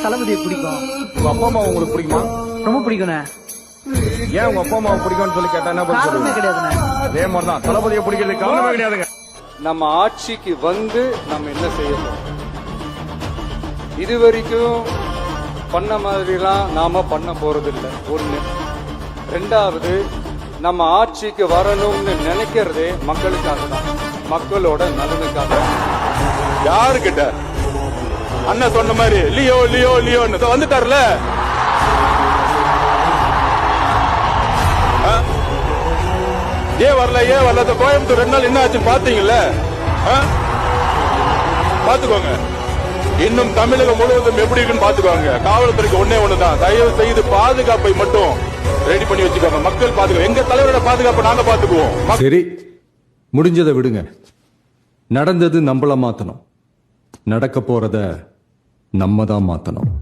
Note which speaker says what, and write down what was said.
Speaker 1: தளபதியை பிடிக்கும்.
Speaker 2: உங்க அப்பா அம்மா உங்களுக்கு பிடிக்குமா?
Speaker 1: ரொம்ப பிடிக்குண்ணே.
Speaker 2: ஏன் உங்க அப்பா அம்மாவை பிடிக்கும்னு சொல்லி கேட்டா என்ன பதில்
Speaker 1: காரணமே
Speaker 2: சொல்லுவீங்க?
Speaker 1: கிடையாதுண்ணே.
Speaker 2: அதே மாதிரிதான் தளபதியை பிடிக்கிறதுக்கு காரணமே கிடையாதுங்க.
Speaker 3: நம்ம ஆட்சிக்கு வந்து நம்ம என்ன செய்யணும், இதுவரைக்கும் பண்ண மாதிரிலாம் நாம பண்ண போறதில்லை. ஒண்ணு. ரெண்டாவது, நம்ம ஆட்சிக்கு வரணும்னு நினைக்கிறதே மக்களுக்காக தான், மக்களோட நலனுக்காக.
Speaker 4: யாரு கிட்ட அண்ணன் சொன்ன மாதிரி லியோ லியோ லியோன்னு வந்துட்டார்ல. ஏன் வரல கோயம்புத்தூர் 2 நாள் என்ன ஆச்சுன்னு பாத்தீங்கல்ல? பாத்துக்கோங்க. இன்னும் தமிழகம் முழுவதும் எப்படி இருக்குன்னு பாத்துக்கோங்க. காவல்துறைக்கு ஒண்ணுதான், தயவு செய்து பாதுகாப்பை மட்டும் ரெடி பண்ணி வச்சுக்கோங்க. மக்கள் பாத்துக்கோ, எங்க தலைவரோட பாதுகாப்பை நாங்க பாத்துக்குவோம்.
Speaker 5: சரி, முடிஞ்சதை விடுங்க. நடந்தது நம்மள மாத்தணும், நடக்க போறத நம்ம தான் மாத்தணும்.